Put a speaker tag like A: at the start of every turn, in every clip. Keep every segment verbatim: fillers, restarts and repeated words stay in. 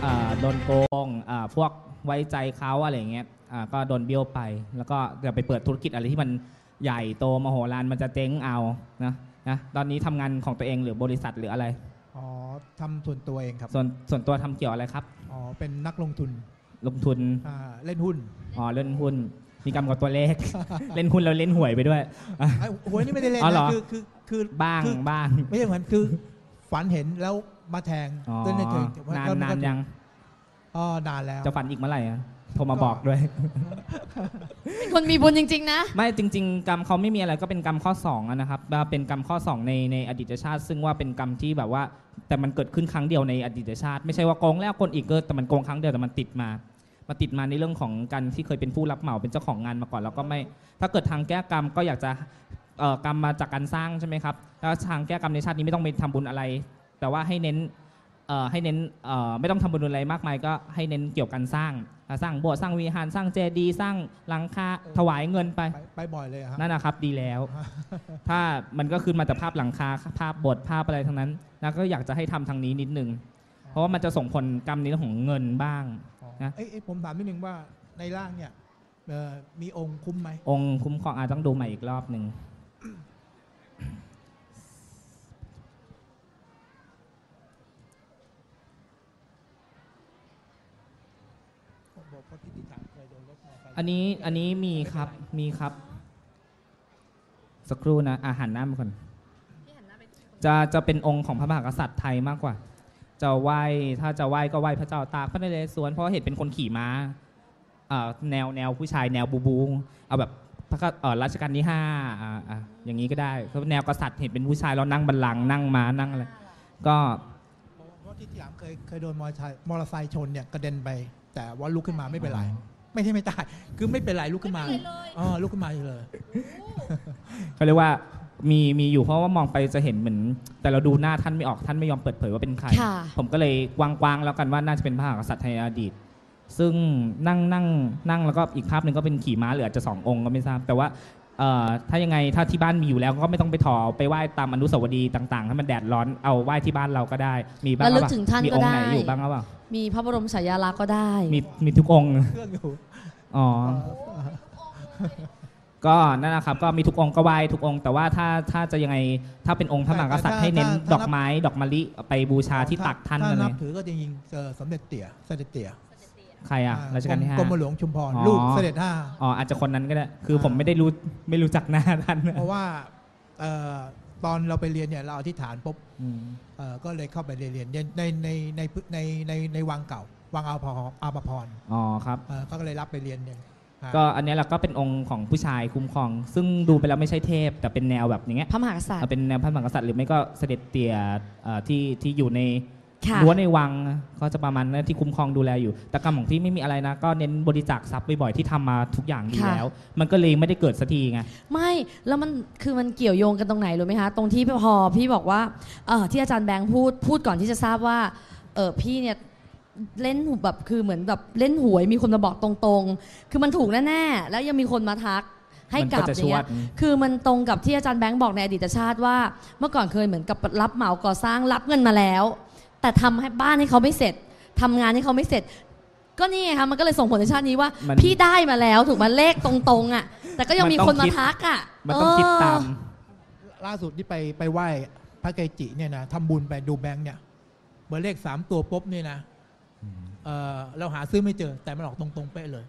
A: โดนโกงพวกไว้ใจเขาอะไรอย่างเงี้ยก็โดนเบี้ยวไปแล้วก็จะไปเปิดธุรกิจอะไรที่มันใหญ่โตมโหฬารมันจะเจ๊งเอานะนะตอนนี้ทำงานของตัวเองหรือบริษัทหรืออะไร
B: อ๋อทำส่วนตัวเองครับ
A: ส่วนส่วนตัวทำเกี่ยวอะไรครับ
B: อ๋อเป็นนักลงทุน
A: ลงทุน
B: เล่นหุ้น
A: อ๋อเล่นหุ้นมีกรรมกับตัวเลข เล่นหุ้นแล้วเล่นหวยไปด้วย
B: หวยนี่ไม่ได้เล่นนะคือคือคือ
A: บ้างบ้าง
B: ไม่ใช่เหมือนคือฝันเห็นแล้วมาแทง
A: เล่นในเทงนานนานยัง
B: อ๋อนานแล้ว
A: จะฝันอีกเมื่อไหร่อ่ะโทรมาบอกด้วย
C: คนมีบุญจริงๆนะ
A: ไม่จริงๆกรรมเขาไม่มีอะไรก็เป็นกรรมข้อสองนะครับเป็นกรรมข้อสองในในอดีตชาติซึ่งว่าเป็นกรรมที่แบบว่าแต่มันเกิดขึ้นครั้งเดียวในอดีตชาติไม่ใช่ว่าโกงแล้วคนอีกเกิดแต่มันโกงครั้งเดียวแต่มันติดมามาติดมาในเรื่องของการที่เคยเป็นผู้รับเหมาเป็นเจ้าของงานมาก่อนแล้วก็ไม่ถ้าเกิดทางแก้กรรมก็อยากจะกรรมมาจากการสร้างใช่ไหมครับแล้วทางแก้กรรมในชาตินี้ไม่ต้องไปทำบุญอะไรแต่ว่าให้เน้นให้เน้นไม่ต้องทำบุญอะไรมากมายก็ให้เน้นเกี่ยวกับการสร้างสร้างโบสถ์สร้างวิหารสร้างเจดีย์สร้างหลังคาถวายเงินไป
B: ไปบ่อยเลยครับ
A: นั่นนะครับดีแล้วถ้ามันก็คือมาแต่ภาพหลังคาภาพโบสถ์ภาพอะไรทั้งนั้นนะก็อยากจะให้ทำทางนี้นิดนึงเพราะว่ามันจะส่งผลกรรมในเรื่องของเงินบ้างนะ
B: เอ้ผมถามนิดนึงว่าในร่างเนี่ยมีองค์คุ้มไหม
A: องค์คุ้มครองอาจต้องดูใหม่อีกรอบหนึ่งอันนี้อันนี้มีครับมีครับสักครู่นะอาหารน้ำก่อนจะจะเป็นองค์ของพระมหากษัตริย์ไทยมากกว่าจะไหว้ถ้าจะไหว้ก็ไหว้พระเจ้าตากพระนเรศวรเพราะเห็นเป็นคนขี่ม้าแนวแนวผู้ชายแนวบูบูเอาแบบพระรัชกาลที่ห้าอย่างนี้ก็ได้เพราะแนวกษัตริย์เห็นเป็นผู้ชายแล้วนั่งบัลลังก์นั่งม้านั่งอะไรก็
B: เพราะที่ที่ถามเคยเคยโดนมอเตอร์ไซค์ชนเนี่ยกระเด็นไปแต่ว่าลุกขึ้นมาไม่เป็นไรไม่ใช่ไม่ตายคือไม่เป็นไรลุกขึ้นมาอ๋อลุกขึ้นมาเลย
A: เขาเรียกว่ามีมีอยู่เพราะว่ามองไปจะเห็นเหมือนแต่เราดูหน้าท่านไม่ออกท่านไม่ยอมเปิดเผยว่าเป็นใครผมก็เลยกว้างๆแล้วกันว่าน่าจะเป็นพระมหากษัตริย์ไทยอดีตซึ่งนั่งนั่งนั่งแล้วก็อีกภาพหนึ่งก็เป็นขี่ม้าเหลือจะสององค์ก็ไม่ทราบแต่ว่าถ้ายังไงถ้าที่บ้านมีอยู่แล้วก็ไม่ต้องไปถอไปไหว้ตามอนุสาวรีย์ต่างๆให้มันแดดร้อนเอาไหว้ที่บ้านเราก็ได้มีบ้าง
C: ระลึกถึงท่านก็ได้
A: มีองค์ไหนอยู่บ้างหรือเปล่า
C: มีพระบรมฉายาลักษณ์ก็ได้
A: มีมีทุกองค์อ๋อก็นั่นนะครับก็มีทุกองค์ก็ไหว้ทุกองค์แต่ว่าถ้าถ้าจะยังไงถ้าเป็นองค์พระมหากษัตริย์ให้เน้นดอกไม้ดอกมะลิไปบูชาที่ตักท่าน
B: เลย
A: ถ้า
B: นับถือก็จริงๆสมเด็จเตี่ยเสด็จเตี่ย
A: ใครอ่ะรัชกาลที่ห้าก
B: รมหลวงชุมพรลูกเสด็จห้า
A: อ๋ออาจจะคนนั้นก็ได้คือผมไม่ได้รู้ไม่รู้จักหน้าท่าน
B: เพราะว่าตอนเราไปเรียนเนี่ยเราอธิษฐานปุ๊บก็เลยเข้าไปเรียนในในในในในในในวังเก่าวังอาภรอาภพร
A: อ๋อครับ
B: เขาก็เลยรับไปเรียนเนี่ย
A: ก็อันนี้เราก็เป็นองค์ของผู้ชายคุ้มครองซึ่งดูไปแล้วไม่ใช่เทพแต่เป็นแนวแบบอย่างเงี้ย
C: พระมหากษัตริย์
A: เป็นแนวพระมหากษัตริย์หรือไม่ก็เสด็จเตี่ยที่ที่อยู่ในรั้วในวังก็จะประมาณนั้นที่คุ้มครองดูแลอยู่แต่กรรมของพี่ไม่มีอะไรนะก็เน้นบริจาคทรัพย์บ่อยๆที่ทำมาทุกอย่างดีแล้วมันก็เลยไม่ได้เกิดสักทีไง
C: ไม่แล้วมันคือมันเกี่ยวโยงกันตรงไหนรู้ไหมคะตรงที่พอพี่บอกว่าที่อาจารย์แบงค์พูดพูดก่อนที่จะทราบว่าเออพี่เนี่ยเล่นแบบคือเหมือนแบบเล่นหวยมีคนมาบอกตรงๆคือมันถูกแน่ๆแล้วยังมีคนมาทักให้กลับอย่างเงี้ยคือมันตรงกับที่อาจารย์แบงค์บอกในอดีตชาติว่าเมื่อก่อนเคยเหมือนกับรับเหมาก่อสร้างรับเงินมาแล้วแต่ทำให้บ้านให้เขาไม่เสร็จทำงานให้เขาไม่เสร็จก็นี่ไงคะมันก็เลยส่งผลในชาตินี้ว่าพี่ได้มาแล้วถูกมาเลขตรงๆอ่ะแต่ก็ยังมีคนมาทักอ่ะ
A: มันต้องคิดตาม
B: ล่าสุดที่ไปไปไหว้พระเกจิเนี่ยนะทำบุญไปดูแบงค์เนี่ยเบอร์เลขสามตัวปุ๊บเนี่ยนะเออเราหาซื้อไม่เจอแต่มันออกตรงๆเป๊ะเลย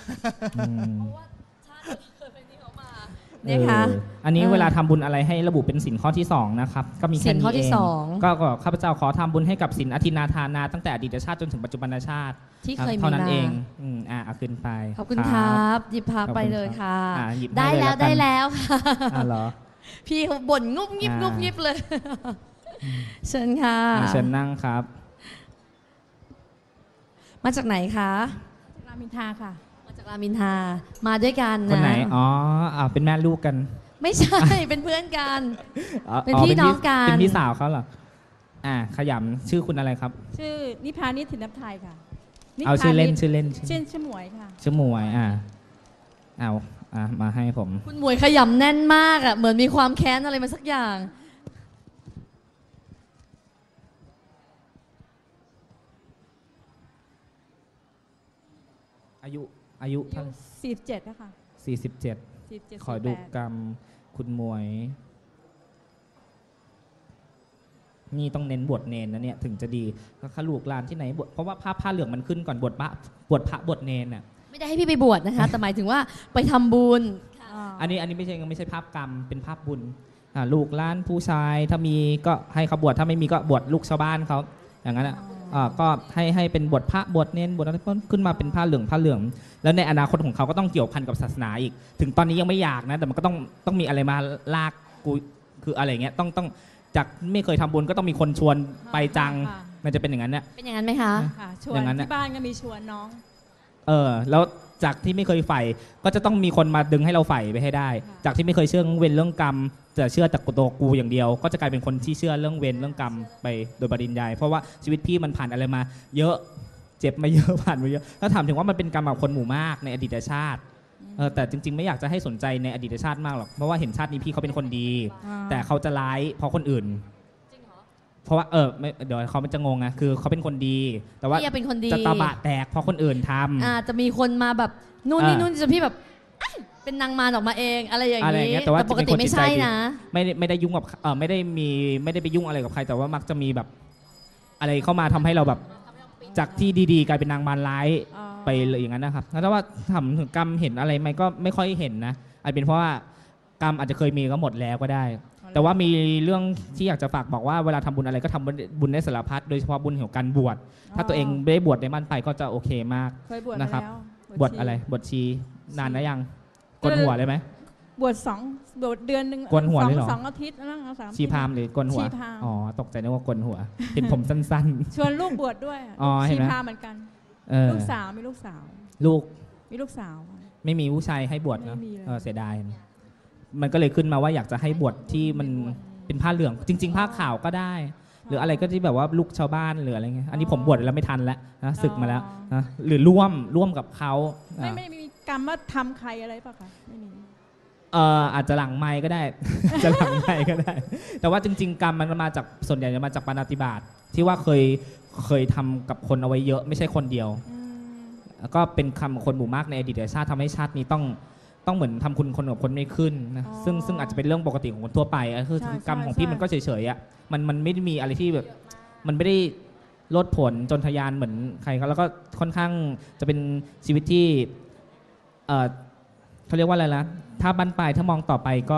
C: นะคะ
A: อันนี้เวลาทำบุญอะไรให้ระบุเป็นสินข้อที่สองนะครับก็มีแค่นี้เองก็ข้าพเจ้าขอทำบุญให้กับสินอธินาทานาตั้งแต่อดีตชาติจนถึงปัจจุบันชาติ
C: ที่เคยมี
A: เท่านั้นเองอ่าเอาขึ้นไป
C: ขอบคุณครับหยิบพักไปเลยค่ะได้แล้วได้แล้วค่ะ
A: อ๋อเหรอ
C: พี่บ่นงุบงิบงุบงิบเลยเชิญค่ะ
A: เชิญนั่งครับ
C: มาจากไหนคะ
D: รามอินทราค่ะ
C: มาจากรามอินทรามาด้วยกันนะ
A: คนไหนอ๋อเป็นแม่ลูกกัน
C: ไม่ใช่เป็นเพื่อนกันเป็นพี่น้องกัน
A: เป็นพี่สาวเขาเหรออ่าขยำชื่อคุณอะไรครับ
D: ชื่อนิพานิชถินนับไทยค่ะ
A: เอาชื่อเล่นชื่อเล่น
D: ชื่อชื่อหมวยค่ะ
A: ชื่อหมวยอ่าเอาอ่ามาให้ผม
C: คุณหมวยขยำแน่นมากอ่ะเหมือนมีความแค้นอะไรมาสักอย่าง
A: อายุอายุ
D: อา
A: เท่า
D: ยุสี่สิบเจ็ดนะคะ
A: สี่สิบเจ็ด
D: สี่สิบเจ็ด
A: ขอดู
D: สี่สิบแป
A: กรรมคุณหมวย นี่ต้องเน้นบวชเนนนะเนี่ยถึงจะดีก็ขลูกลานที่ไหนบวชเพราะว่าผ้าผ้าเหลืองมันขึ้นก่อนบวชพระบวชพระบวชเนนน่ะ
C: ไม่ได้ให้พี่ไปบวชนะคะ แต่หมายถึงว่าไปทำบุญ
A: อันนี้อันนี้ไม่ใช่ไม่ใช่ภาพกรรมเป็นภาพบุญอ่าลูกหล้านผู้ชายถ้ามีก็ให้เขาบวชถ้าไม่มีก็บวชลูกชาวบ้านเขาอย่างนั้นอ่ะอ่าก็ให้ให้เป็นบวชพระบวชเนนบวชอะไรขึ้นมาเป็นผ้าเหลืองผ้าเหลือง แล้วในอนาคตของเขาก็ต้องเกี่ยวพันกับศาสนาอีก ถึงตอนนี้ยังไม่อยากนะแต่มันก็ต้องต้องมีอะไรมาลากกูคืออะไรเงี้ยต้องต้องจากไม่เคยทำบุญก็ต้องมีคนชวนไปจัง
D: ค่ะ
A: มันจะเป็นอย่างนั้นเนี่ย
C: เป็นอย่างนั้นไหมคะ
D: ค่ะชว
A: อน ย่างนั้นน่ะ
D: ที่บ้านก็มีชวนน้อง
A: เออแล้วจากที่ไม่เคยใฝ่ก็จะต้องมีคนมาดึงให้เราใฝ่ไปให้ได้
D: ค่ะ
A: จากที่ไม่เคยเชื่อเรื่องเวรเรื่องกรรมจะเชื่อแต่ตัวกูอย่างเดียว ก็จะกลายเป็นคนที่เชื่อเรื่องเวรเรื่องกรรมไปโดยปริยายเพราะว่าชีวิตพี่มันผ่านอะไรมา เยอะเจ็บมาเยอะ ผ่านมาเยอะถ้าถามถึงว่ามันเป็นกรรมกับคนหมู่มากในอดีตชาติเออแต่จริงๆไม่อยากจะให้สนใจในอดีตชาติมากหรอกเพราะว่าเห็นชาตินี้พี่เขาเป็นคนดี
D: อ่า
A: แต่เขาจะร้ายเพราะคนอื่นเพราะว่าเออไม่เดี๋ยวเขามันจะงงไงคือเขาเป็นคนดี แต่ว่า
C: พี่เป็นคนดี
A: จะตาบะแตกเพราะคนอื่นทำ
C: อาจจะมีคนมาแบบนู่นนี่
A: อ่า
C: นู่นจนพี่แบบเอ้ยเป็นนางมารออกมาเองอะไรอย่าง
A: อะไรอย่าง
C: นี้
A: เงี้ยแต่ว่า
C: ปกติ
A: จะเป็นคน
C: ไม่
A: จิตใจ
C: ใช่
A: ดี
C: นะ
A: ไม่ได้ไม่ได้ยุ่งกับเออไม่ได้มีไม่ได้ไปยุ่งอะไรกับใคร แต่ว่ามักจะมีแบบ อะไรเข้ามาทำให้เราแบบจากที่ดีๆกลายเป็นนางมารร้าย
D: อ่า
A: ไปเลยอย่างนั้นนะครับแล้วว่าทำถึงกรรมเห็นอะไรไหมก็ไม่ค่อยเห็นนะอาจเป็นเพราะว่ากรรมอาจจะเคยมีก็หมดแล้วก็ได้ แต่ว่ามีเรื่องที่อยากจะฝากบอกว่าเวลาทำบุญอะไรก็ทำบุญได้สารพัดโดยเฉพาะบุญเกี่ยวกับการบวชถ้าตัวเองไม่ได้บวชในบ้านไปก็จะโอเคมาก
D: เคยบวช
A: นะครับ
D: มาแล้ว
A: บวชอะไรบวชชีนานนะยังกนหัวเลยไหม
D: บวชสองบวชเดือนหนึ่ง
A: โกนหัว
D: สอง
A: เลยเหรอ
D: สองอาทิตย์นั่งเอาสาม
A: ชีพราหมณ์หรือกนหัว
D: ชีพราหมณ์
A: อ๋อตกใจนึกว่ากนหัว เห็นผมสั้น
D: ชวนลูกบวชด้วย
A: อ๋อเห็นไหม
D: ชีพราหมณ์เหมือนกัน
A: ๆเออ
D: ลูกสาวมีลูกสาว
A: ลูก
D: มีลูกสาว
A: ไม่มีผู้ชายให้บวชเนอะ
D: ไม่มีเลย
A: เออเสียดายมันก็เลยขึ้นมาว่าอยากจะให้บวชที่มันเป็นผ้าเหลือง จริง ๆ ผ้าขาวก็ได้ หรืออะไรก็ที่แบบว่าลูกชาวบ้านหรืออะไรเงี้ยอันนี้ผมบวชแล้วไม่ทันแล้วนะศึกมาแล้วนะหรือร่วมร่วมกับเขา
D: ไม่
A: อ่า
D: ไม่มีกรรมว่าทำใครอะไรป่ะคะไม่มี
A: เอ่ออาจจะหลังไม้ก็ได้ จะหลังไม้ก็ได้ แต่ว่าจริง ๆ กรรมมันมาจากส่วนใหญ่จะมาจากปาณาติบาตที่ว่าเคยเคยทำกับคนเอาไว้เยอะไม่ใช่คนเดียว
D: อืม
A: แล้วก็เป็นคำคนหมู่มากในอดีตชาติทำให้ชาตินี้ต้องต้องเหมือนทำคุณคนกับคนไม่ขึ้นนะซึ่งซึ่งอาจจะเป็นเรื่องปกติของคนทั่วไปอ่ะคือกรรมของพี่มันก็เฉยๆอ่ะมันมันไม่ได้มีอะไรที่แบบมันไม่ได้ลดผลจนทะยานเหมือนใครเขาแล้วก็ค่อนข้างจะเป็นชีวิตที่เออเขาเรียกว่าอะไรนะถ้าบั้นปลายถ้ามองต่อไปก็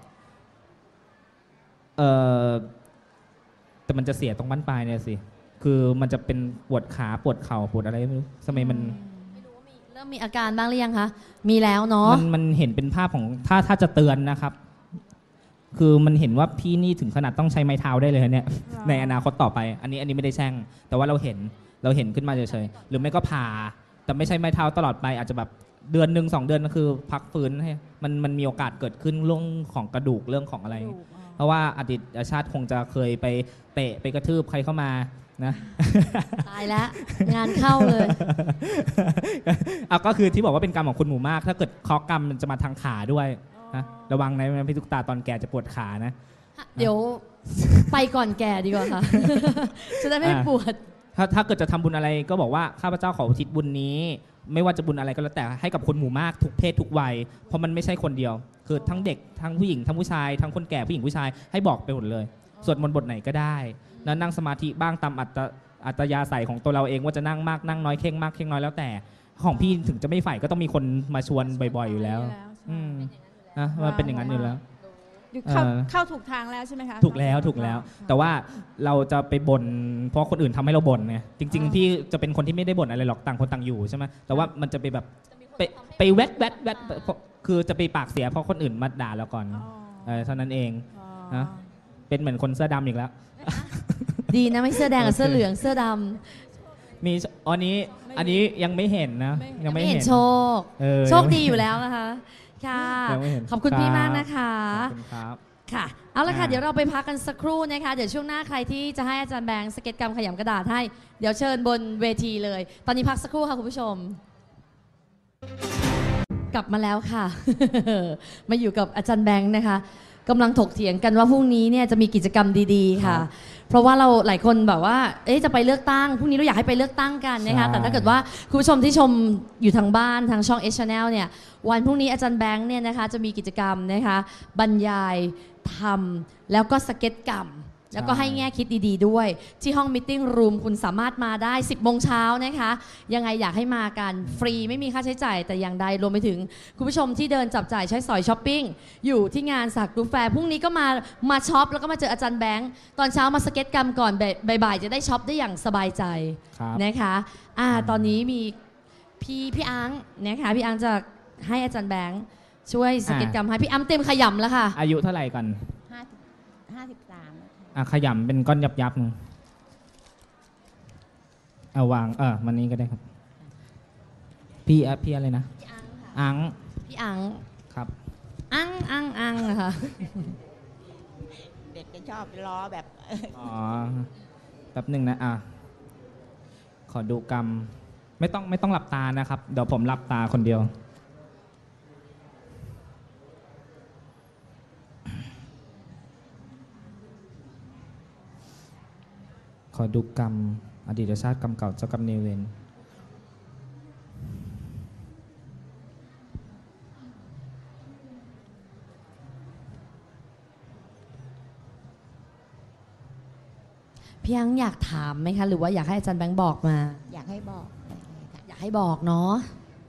A: เออแต่มันจะเสียตรงบั้นปลายเนี่ยสิคือมันจะเป็นปวดขาปวดเข่าปวดอะไรไม่รู้สมัยมัน
C: เริ่มมีอาการบ้างหรือยังคะ มีแล้วเนาะ
A: มันมันเห็นเป็นภาพของถ้าถ้าจะเตือนนะครับ คือมันเห็นว่าพี่นี่ถึงขนาดต้องใช้ไม้เท้าได้เลยเนี่ย ในอนาคตต่อไป อันนี้อันนี้ไม่ได้แช่ง แต่ว่าเราเห็นเราเห็นขึ้นมาเฉยๆหรือไม่ก็ผ่า แต่ไม่ใช่ไม้เท้าตลอดไป อาจจะแบบเดือนหนึ่งสองเดือนก็คือพักฟื้นให้มันมันมีโอกาสเกิดขึ้นเรื่องของกระดูกเรื่องของอะไร
D: ลูกอ๋อ
A: เพราะว่าอดีตชาติคงจะเคยไปเตะไปกระทืบใครเข้ามานะ
C: ตายแล้ว งานเข้าเลย
A: เอาก็คือที่บอกว่าเป็นกรรมของคนหมู่มาก ถ้าเกิดเคราะห์กรรมมันจะมาทางขาด้วยนะระวังนะพี่ตุ๊กตาตอนแก่จะปวดขานะ
C: เดี๋ยวไปก่อนแก่ดีกว่าค่ะ จะได้ไม่ปวด
A: ถ้าถ้าเกิดจะทำบุญอะไรก็บอกว่าข้าพเจ้าขออุทิศบุญนี้ ไม่ว่าจะบุญอะไรก็แล้วแต่ให้กับคนหมู่มากทุกเพศทุกวัยเพราะมันไม่ใช่คนเดียว คือทั้งเด็กทั้งผู้หญิงทั้งผู้ชายทั้งคนแก่ผู้หญิงผู้ชายให้บอกไปหมดเลยสวดมนต์บทไหนก็ได้แล้วนั่งสมาธิบ้างตามอัตอัตยาศัยของตัวเราเองว่าจะนั่งมากนั่งน้อยเข่งมากเข่งน้อยแล้วแต่ของพี่ถึงจะไม่ใฝ่ก็ต้องมีคนมาชวนบ่อยๆอยู่แล้ว
D: ใช่
A: อืมนะมันเป็นอย่างนั้นอยู่แล้ว
D: อยู่เข้า
A: เออ
D: เข้าถูกทางแล้วใช่ไหมคะ
A: ถูกแล้วถูกแล้ว แต่ว่าเราจะไปบ่นเพราะคนอื่นทำให้เราบ่นไงจริง ๆ พี่จะเป็นคนที่ไม่ได้บ่นอะไรหรอกต่างคนต่างอยู่ใช่ไหมแต่ว่ามันจะไปแบบไปไปแวดแวดแวดคือจะไปปากเสียเพราะคนอื่นมาด่าเราก่อน
D: อ๋อ
A: เออเท่านั้นเอง
D: อ๋อ
A: นะ เป็นเหมือนคนเสื้อดำอีกแล้ว
C: ดีนะไม่เสื้อแดงกับ
A: โอเค
C: เสื้อเหลืองเสื้อด
A: มีอันนี้อันนี้ยังไม่เห็นนะ
C: ำ
A: ยัง
C: ไม่
A: ไม่
C: เห็
A: เห็
C: น
A: น
C: โชค
A: เออ
C: โชคดีอยู่แล้วนะคะ ค่ะ
A: ยังไม่เห็น
C: ขอบคุณพี่
A: รับ
C: มากนะคะ
A: ขอบคุณครับ
C: ค่ะ เอาละค่ะ
A: อ่า
C: เดี๋ยวเราไปพักกันสักครู่นะคะ เดี๋ยวช่วงหน้าใครที่จะให้อาจารย์แบงค์สเก็ตกรรมขยำกระดาษให้ เดี๋ยวเชิญบนเวทีเลย ตอนนี้พักสักครู่ค่ะคุณผู้ชม กลับมาแล้วค่ะ มาอยู่กับอาจารย์แบงค์นะคะกำลังถกเถียงกันว่าพรุ่งนี้เนี่ยจะมีกิจกรรมดีๆค่ะเพราะว่าเราหลายคนแบบว่าเอ๊ะจะไปเลือกตั้งพรุ่งนี้เราอยากให้ไปเลือกตั้งกันนะคะ
A: ใช่
C: แต่ถ้าเกิดว่าคุณผู้ชมที่ชมอยู่ทางบ้านทางช่อง H Channel เนี่ยวันพรุ่งนี้อาจารย์แบงค์เนี่ยนะคะจะมีกิจกรรมนะคะบรรยายทำแล้วก็สเก็ตกรรม แล้วก็ให้แง่คิดดีๆด้วย ที่ห้องมิทติ้งรูมคุณสามารถมาได้ สิบโมงเช้านะคะ ยังไงอยากให้มากันฟรีไม่มีค่าใช้จ่ายแต่อย่างใดรวมไปถึงคุณผู้ชมที่เดินจับจ่ายใช้สอยช้อปปิ้งอยู่ที่งานสักดูแฟร์พรุ่งนี้ก็มามาช็อปแล้วก็มาเจออาจารย์แบงค์ตอนเช้ามาสเก็ตกรรมก่อนบ่ายๆจะได้ช็อปได้อย่างสบายใจ
A: ครับ
C: นะคะอ่าตอนนี้มีพี่พี่อังนะคะพี่อังจะให้อาจารย์แบงค์ช่วยสเก็ตกรรมให้พี่อังเต็มขยำแล้วค่ะ
A: อายุเท่าไหร่ก่อน
E: ห้าสิบห้าสิบสามแล้วค่ะ
A: อ่ะขยำเป็นก้อนยับยับๆหนึงเอาวางเออมันนี้ก็ได้ครับ พี่อ่ะพี่อะไรนะ
C: พี่อังค่ะ
A: อัง
C: พี่อัง
A: ครับ
C: อังอังอังนะคะ
E: เด็กจะชอบล้อแบบ
A: อ๋อแป๊บหนึ่งนะอ่ะขอดูกรรมไม่ต้องไม่ต้องหลับตานะครับเดี๋ยวผมหลับตาคนเดียว ขอดูกรรมอดีตชาติกรรมเก่าเจ้ากรรมนายเวร
C: พี่อังอยากถามไหมคะหรือว่าอยากให้อาจารย์แบงค์บอกมา
E: อยากให้บอกเลยค่ะ
C: อยากให้บอกเนาะ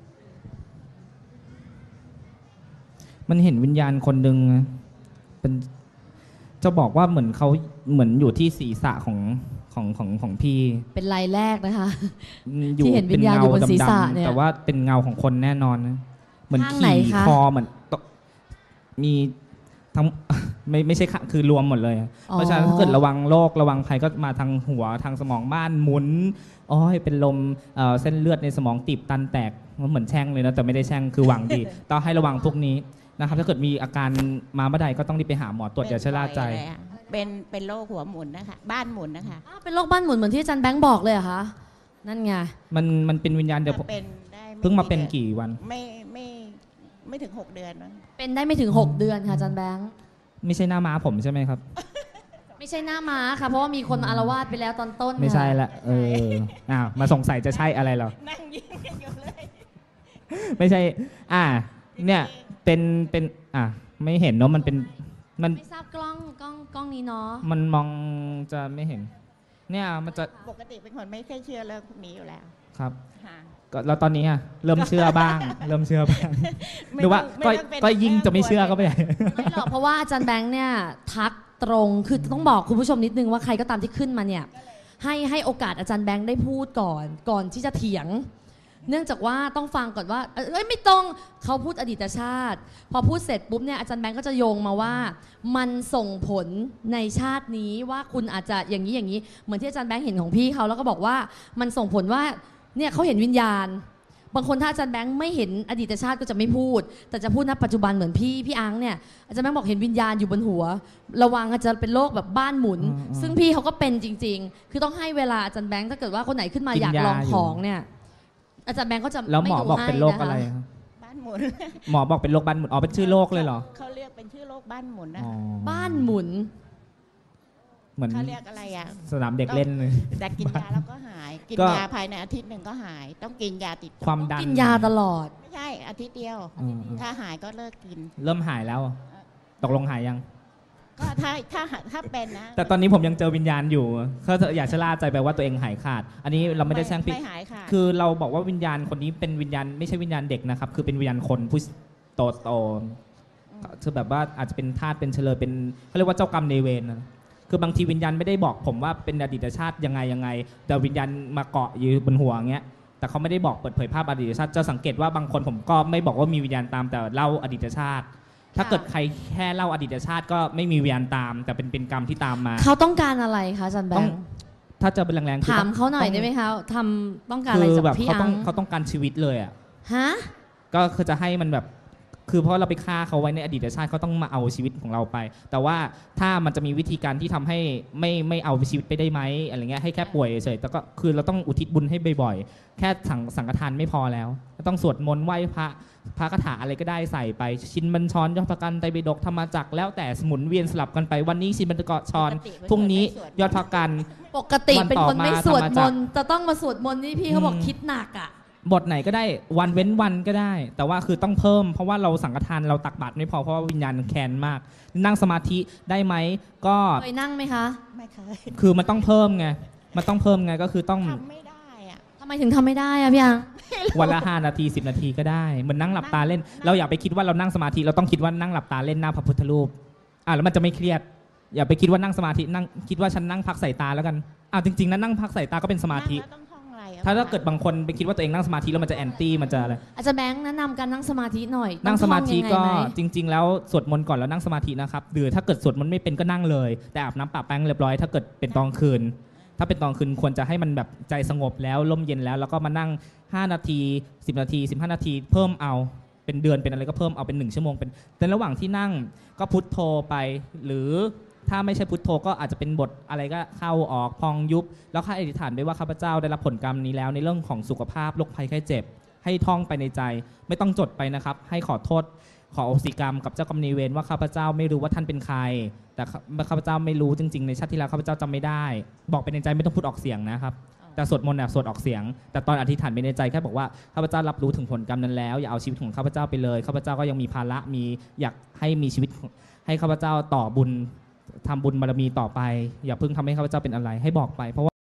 A: มันเห็นวิญญาณคนหนึ่งนะเป็นจะบอกว่าเหมือนเขาเหมือนอยู่ที่ศีรษะของของของของพี่
C: เป็นรายแรกนะคะ
A: อยู่
C: ที่เห็นวิญญาณอยู่บนศีรษะเนี่ย
A: ๆแต่ว่าเป็นเงาของคนแน่นอนนะเหมือน
C: ข้างไหน
A: ขี่
C: คะ
A: คอเหมือนตมีทั้ง ไม่ไม่ใช่ค่ะคือรวมหมดเลย เพราะฉะนั้นถ้าเกิดระวังโรคระวังภัยก็มาทางหัวทางสมองบ้านหมุนอ๋อเป็นลมเอ่อเส้นเลือดในสมองตีบตันแตกมันเหมือนแช่งเลยนะแต่ไม่ได้แช่งคือหวังดี ต้องให้ระวังพวกนี้นะครับถ้าเกิดมีอาการมาเมื่อใดก็ต้องรีบไปหาหมอตรวจอย่าชะล่าใจ
E: เป็นบ่อยเลยอะเป็นเป็นโรคหัวหมุนนะคะ บ้านหมุนนะคะ
C: อ้าวเป็นโรคบ้านหมุนเหมือนที่อาจารย์แบงค์บอกเลยเหรอคะนั่นไง
A: มันมันเป็นวิญญาณเดียวผม
E: ถ้าเป็นได้ไ
A: เพิ่งมาเป็น
E: ดือ
A: กี่วัน
E: ไม่ไม่ไม่ถึงหกเดือนมั้ง
C: เป็นได้ไม่ถึง หก เดือนค่ะอาจารย์แบงค์
A: ไม่ใช่หน้าม้าผมใช่ไหมครับ
C: ไม่ใช่หน้าม้าค่ะเพราะว่ามีคนมาอารวาสไปแล้วตอนต้น
A: ไม่ใช่
C: ค่ะ
A: ละเอออ้าวมาสงสัยจะใช่อะไรเหรอ
E: นั่งยิ้มกันอยู่เลย
A: ไม่ใช่ อ่า เนี่ยเป็นเป็นอ่ะไม่เห็นเนาะมันเป็นมัน
C: ไม่ทราบกล้องกล้องกล้องนี้เนาะ
A: มันมองจะไม่เห็น เนี่ยมันจะ
E: ปกติเป็นคนไม่ค่อยเชื่อเรื่องพวกนี้อยู่แล้ว
A: ครับ
E: ค่ะ
A: ก็แล้วตอนนี้อ่ะเริ่มเชื่อบ้าง เริ่มเชื่อบ้าง
E: ไม่
A: หรือว่า
E: ต้อง
A: ก็
E: ไม่ต้องเป็น
A: ก็ยิ่งจะไม่เชื่อก็ไม่ได้
C: ไม่หรอกเพราะว่าอาจารย์แบงค์เนี่ยทักตรงคือต้องบอกคุณผู้ชมนิดนึงว่าใครก็ตามที่ขึ้นมาเนี่ยให้ให้โอกาสอาจารย์แบงค์ได้พูดก่อนก่อนที่จะเถียง เนื่องจากว่าต้องฟังก่อนว่าเอ้ยไม่ตรงเขาพูดอดีตชาติ พอพูดเสร็จปุ๊บเนี่ยอาจารย์แบงค์ก็จะโยงมาว่า มันส่งผลในชาตินี้ว่าคุณอาจจะอย่างนี้อย่างนี้เหมือนที่อาจารย์แบงค์เห็นของพี่เขาแล้วก็บอกว่ามันส่งผลว่าเนี่ยเขาเห็นวิญญาณ บางคนถ้าอาจารย์แบงค์ไม่เห็นอดีตชาติก็จะไม่พูด แต่จะพูดณปัจจุบันเหมือนพี่พี่อังเนี่ยอาจารย์แบงค์บอกเห็นวิญญาณอยู่บนหัว ระวังอาจจะเป็นโรคแบบบ้านหมุน
A: อืมอืม
C: ซึ่งพี่เขาก็เป็นจริง ๆ คือต้องให้เวลาอาจารย์แบงค์ถ้าเกิดว่าคนไหนขึ้นมา
A: กิน
C: อยากลอง
A: ยาอยู่
C: ของเนี่ยอาจารย์แบงค์ก็จะ
A: แล้วหมอ
C: ไดู
A: บอก
C: ให้
A: เป็นโรคอะไร
C: นค
A: ครับ
E: บ้านหมุน
A: หมอบอกเป็นโรคบ้านหมุนอ๋อเป็นชื่อโรคเลยเหรอ
E: เขาเรียกเป็นชื่อโรคบ้านหมุนนะ
A: อ๋อ
C: บ้านหมุน
A: เหมือน
E: เขาเรียกอะไรอ่ะ
A: สนามเด็กเล่นเลย
E: แต่กินยาแล้วก็หาย กิน
A: ก็
E: ยาภายในอาทิตย์หนึ่งก็หาย ต้องกินยาติดต่อ
A: ความดัน
C: กินยาตลอด
E: ไม่ใช่อาทิตย์เดียว
A: อืมอืม
E: ถ้าหายก็เลิกกิน
A: เริ่มหายแล้ว ตกลงหายยัง
E: ก็ถ้าถ้าถ้าเป็นนะ
A: แต่ตอนนี้ผมยังเจอวิญญาณอยู่เขาอยากชะล่าใจไปว่าตัวเองหายขาด อันนี้เราไม่ได้แช่งผิด
E: ไม่หายค่ะ
A: คือเราบอกว่าวิญญาณคนนี้เป็นวิญญาณไม่ใช่วิญญาณเด็กนะครับ คือเป็นวิญญาณคนผู้โตโตคือแบบว่าอาจจะเป็นธาตุเป็นเฉลยเป็นเขาเรียกว่าเจ้ากรรมนายเวรนะคือบางทีวิญญาณไม่ได้บอกผมว่าเป็นอดีตชาติยังไงยังไง แต่วิญญาณมาเกาะอยู่บนหัวอย่างเงี้ย แต่เขาไม่ได้บอกเปิดเผยภาพอดีตชาติจะสังเกตว่าบางคนผมก็ไม่บอกว่ามีวิญญาณตามแต่เล่าอดีตชาติ ถ้าเกิดใครแค่เล่าอดีตชาติก็ไม่มีวิญญาณตาม แต่เป็นเป็นกรรมที่ตามมา
C: เขาต้องการอะไรคะอาจารย์แบ
A: ต้อง
C: งค์
A: ถ้าเจอเป็นแรงๆคือ
C: ถาม
A: ต้อง
C: เขาหน่อย
A: ต้อง
C: ได้ไหมคะทำต้องการอะไร
A: คือ
C: จาก
A: แบบ
C: พี่
A: เขา
C: อั
A: ต้อง
C: ง
A: เขาต้องการชีวิตเลยอ่ะ
C: ฮะ
A: ก็คือจะให้มันแบบคือเพราะเราไปฆ่าเขาไว้ในอดีตชาติเขาต้องมาเอาชีวิตของเราไป แต่ว่าถ้ามันจะมีวิธีการที่ทำให้ไม่ไม่เอาชีวิตไปได้ไหมอะไรเงี้ยให้แค่ป่วยเฉยๆแต่ก็คือเราต้องอุทิศบุญให้บ่อยๆแค่สังสังฆทานไม่พอแล้วต้องสวดมนต์ไหว้พระพระคาถาอะไรก็ได้ใส่ไปชินบัญชรยอดพระกันไตรปิฎกธรรมจักรแล้วแต่สมุนเวียนสลับกันไปวันนี้ชินบัญชรพรุ่งนี้ยอดพระกัน
C: ปกติเป็นคนไม่สวด
A: วัน
C: ม
A: ต่อมา
C: นต์จะต้องมาสวดมนต์นี่พี่เขาบอก
A: อืม
C: คิดหนักอ่ะ
A: บทไหนก็ได้วันเว้นวันก็ได้ แต่ว่าคือต้องเพิ่มเพราะว่าเราสังฆทานเราตักบาตรไม่พอเพราะว่าวิญญาณแค้นมาก นั่งสมาธิได้ไหมก็
C: เคยนั่งไหมคะ
E: ไม่เคย
A: คือมันต้องเพิ่มไงมันต้องเพิ่มไงก็คือต้อง
E: ทำไม่ได้อะ
C: ทำไมถึงทำไม่ได้อะพี่อัง
A: วันละห้านาทีสิบนาทีก็ได้เหมือนนั่งหลับตาเล่น เราอย่าไปคิดว่าเรานั่งสมาธิเราต้องคิดว่านั่งหลับตาเล่นหน้าพระพุทธรูปอ่ะแล้วมันจะไม่เครียด อย่าไปคิดว่านั่งสมาธินั่งคิดว่าฉันนั่งพักสายตาแล้วกันอ่ะจริงๆนะนั่งพักสายตาก็เป็นสมาธิ
E: นั่งแล้วต้องท่องอะไรอะ
A: ถ้าถ้าเกิดบางคนไปคิดว่าตัวเองนั่งสมาธิแล้วมันจะแอนตี้มันจะอะไร
C: อาจารย์แบงค์แนะนำการนั่งสมาธิหน่อย
A: นั่งสมาธิ
C: ต้อง
A: ก็
C: ท่องยังไงไหม
A: จริง ๆ แล้วสวดมนต์ก่อนแล้วนั่งสมาธินะครับหรือถ้าเกิดสวดมนต์ไม่เป็นก็นั่งเลย แต่อาบน้ำปะแป้งเรียบร้อยถ้าเกิดเป็นตอนคืน ถ้าเป็นตอนคืนควรจะให้มันแบบใจสงบแล้วร่มเย็นแล้ว แล้วก็มานั่งห้านาทีสิบนาทีสิบห้านาทีเพิ่มเอาเป็นเดือนเป็นอะไรก็เพิ่มเอาเป็นหนึ่งชั่วโมงเป็นแต่ระหว่างที่นั่งก็พุทโธไป หรือถ้าไม่ใช่พุทโธก็อาจจะเป็นบทอะไรก็เข้าออกพองยุบแล้วข้าอธิษฐานด้วยว่าข้าพเจ้าได้รับผลกรรมนี้แล้วในเรื่องของสุขภาพโรคภัยไข้เจ็บ ให้ท่องไปในใจไม่ต้องจดไปนะครับ ให้ขอโทษขออโหสิกรรมกับเจ้ากรรมนายเวรว่าข้าพเจ้าไม่รู้ว่าท่านเป็นใคร แต่ข้าพเจ้าไม่รู้จริงๆในชาติที่แล้วข้าพเจ้าจำไม่ได้ บอกไปในใจไม่ต้องพูดออกเสียงนะครับ แต่สวดมนต์เนี่ยสวดออกเสียง แต่ตอนอธิษฐานไปในใจแค่บอกว่าข้าพเจ้ารับรู้ถึงผลกรรมนั้นแล้วอย่าเอาชีวิตของข้าพเจ้าไปเลยข้าพเจ้าก็ยังมีภาระมีอยากให้มีชีวิตให้ข้าพเจ้าต่อบุญทำบุญบารมีต่อไป อย่าเพิ่งทำให้ข้าพเจ้าเป็นอะไรให้บอกไปเพราะว่า